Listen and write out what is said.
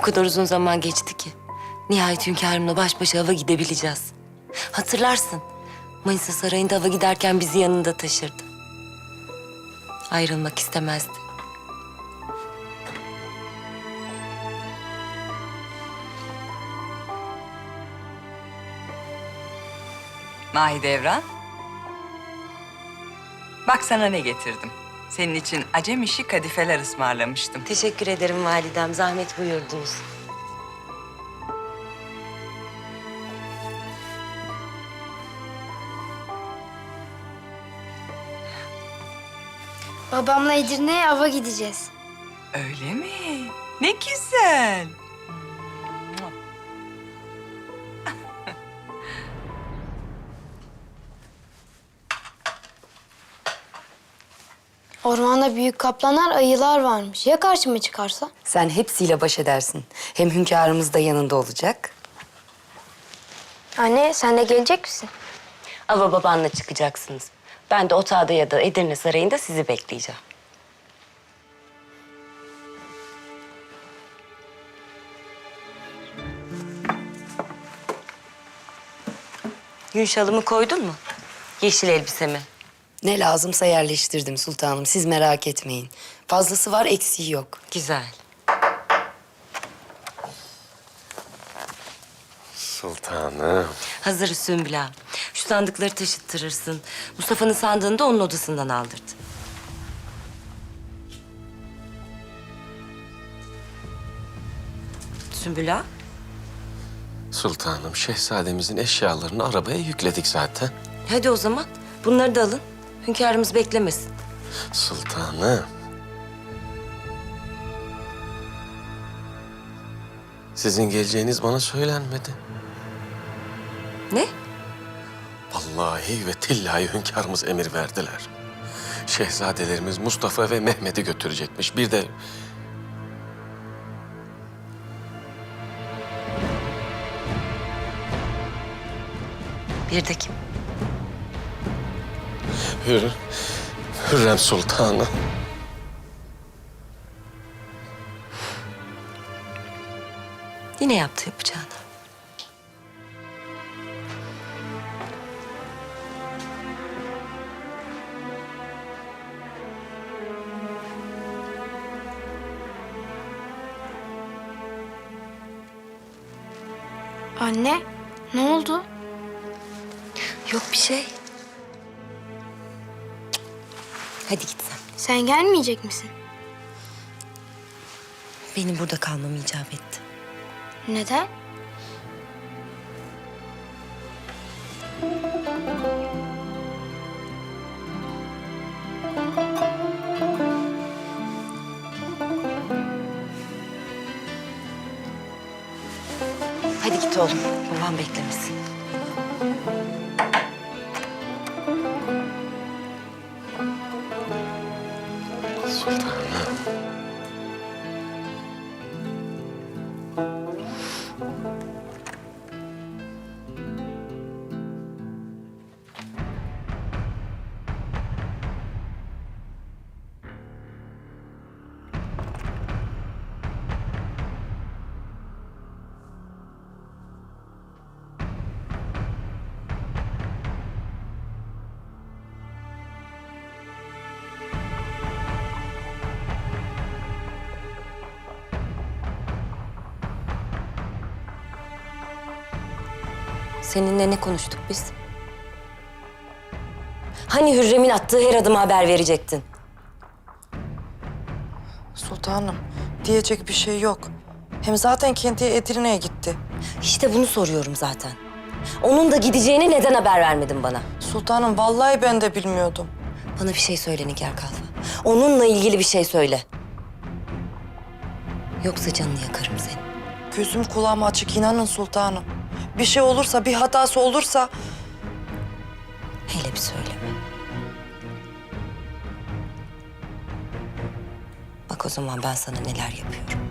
kadar uzun zaman geçti ki. Nihayet hünkârımla baş başa hava gidebileceğiz. Hatırlarsın, Manisa Sarayı'nda hava giderken bizi yanında taşırdı. Ayrılmak istemezdi. Mahidevran. Bak sana ne getirdim. Senin için acem işi kadifeler ısmarlamıştım. Teşekkür ederim validem, zahmet buyurdunuz. Babamla Edirne'ye ava gideceğiz. Öyle mi? Ne güzel. Ormanda büyük kaplanlar, ayılar varmış. Ya karşıma çıkarsa? Sen hepsiyle baş edersin. Hem hünkârımız da yanında olacak. Anne, sen de gelecek misin? Ava babanla çıkacaksınız. Ben de otağda ya da Edirne Sarayı'nda sizi bekleyeceğim. Gün şalımı koydun mu? Yeşil elbisemi. Ne lazımsa yerleştirdim sultanım. Siz merak etmeyin. Fazlası var, eksiği yok. Güzel. Sultanım. Hazır Sümbül ağa. Şu sandıkları taşıttırırsın. Mustafa'nın sandığını da onun odasından aldırdı. Sümbül ağa. Sultanım, şehzademizin eşyalarını arabaya yükledik zaten. Hadi o zaman bunları da alın. Hünkârımız beklemesin. Sultanım. Sizin geleceğiniz bana söylenmedi. Ne? Vallahi ve tillahi hünkârımız emir verdiler. Şehzadelerimiz Mustafa ve Mehmet'i götürecekmiş. Bir de Bir de kim? Hürrem Sultanı. Yine yaptı yapacağını. Anne, ne oldu? Yok bir şey. Hadi git sen. Sen gelmeyecek misin? Benim burada kalmam icap etti. Neden? Hadi git oğlum. Babam beklemesin. Sultanım. Seninle ne konuştuk biz? Hani Hürrem'in attığı her adıma haber verecektin? Sultanım, diyecek bir şey yok. Hem zaten kendi Edirne'ye gitti. İşte bunu soruyorum zaten. Onun da gideceğini neden haber vermedin bana? Sultanım, vallahi ben de bilmiyordum. Bana bir şey söyle Nigar Kalfa. Onunla ilgili bir şey söyle. Yoksa canını yakarım senin. Gözüm kulağım açık, inanın sultanım. Bir şey olursa, bir hatası olursa... Hele bir söyleme. Bak o zaman ben sana neler yapıyorum.